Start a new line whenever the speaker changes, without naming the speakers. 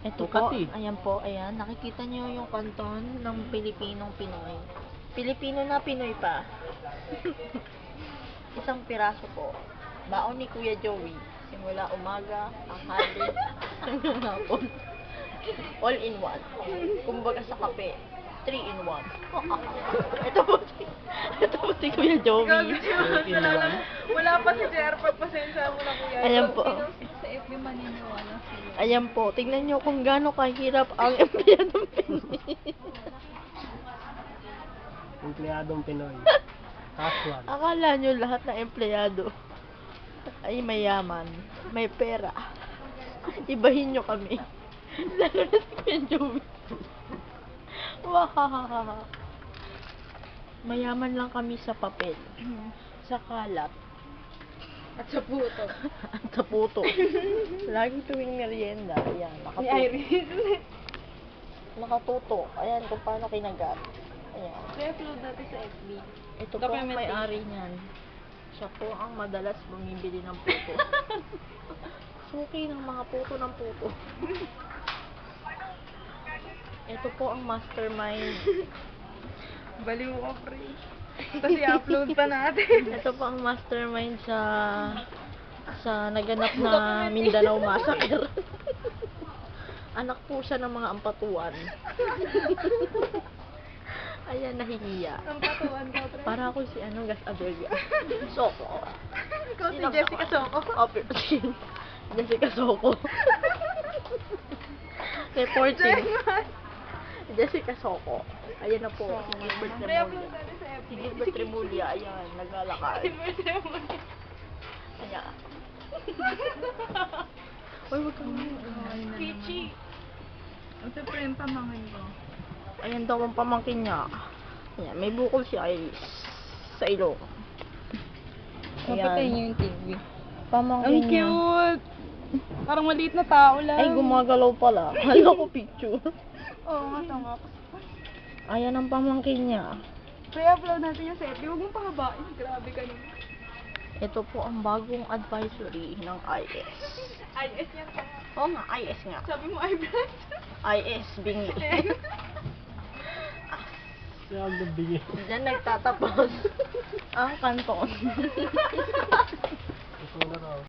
Ito po, ayan po, ayan. Nakikita niyo yung kanton ng Pilipinong Pinoy. Pilipino na Pinoy pa. Isang piraso po. Baon ni Kuya Joey. Simula umaga, tanghali, hanggang hapon. All in one. Kumbaga sa kape. 3 in 1. Ito po si Kuya Joey.
Wala pa si JR, pagpasensya mo na kuya.
Ayan po.
Sa FB maniniwala siya.
Ayan po, tingnan nyo kung gaano kahirap ang empleyadong Pinoy.
Empleyadong Pinoy. Casual.
Akala nyo lahat ng empleyado ay mayaman, may pera. Ibahin nyo kami. Lalo na si Kuya Joey. Wahahaha. Mayaman lang kami sa papel, sa kalat,
At sa puto.
at sa puto. Lagi tuwing merienda, ayan,
Ni Iris.
nakatuto. Ayan kung paano kinagat. Ayan.
I-upload natin sa FB.
Ito po ang may-ari niyan. Siya po ang madalas bumibili ng puto. Suki ng mga puto ng puto. Ito po ang mastermind.
Baliw ko, pre. Tapos i-upload pa natin.
Ito po ang mastermind sa naganap na Mindanao Massacre. Anak po siya ng mga ampatuan. Ayan, nahihiya.
Ang patuan ko, pre.
Para ako si Gas Abelga. Soko.
Ikaw si Jessica Soco.
Jessica Soko. Reporting. Jessica Soko. Ayan na po. Si Gilbert
I-upload
Remulla.
natin sa FB.
Si Gilbert Remulla. Ayan, naglalakad. Ayan. Uy, wag kang
Peachy. Ang siyempre yung pamangin ko.
Ayan daw ang pamangkin niya. Ayan, may bukol si Iris. Sa ilong.
Papatayin niyo yung TV.
Pamangkin
Ang
niya.
cute! Parang maliit na tao lang.
Ay, gumagalaw pala. Hala ko picture.
Oo nga, tama.
Ayan ang pamangkin niya.
Pre-upload natin yung sa FB. Huwag mong pahabain. Grabe ka naman.
Ito po ang bagong advisory ng IS.
IS yan pa.
Oo nga, IS nga.
Sabi mo, eyebrows.
IS, bingi.
Kaya ang nabigay.
Diyan nagtatapos ang kanton.
Ito na raw.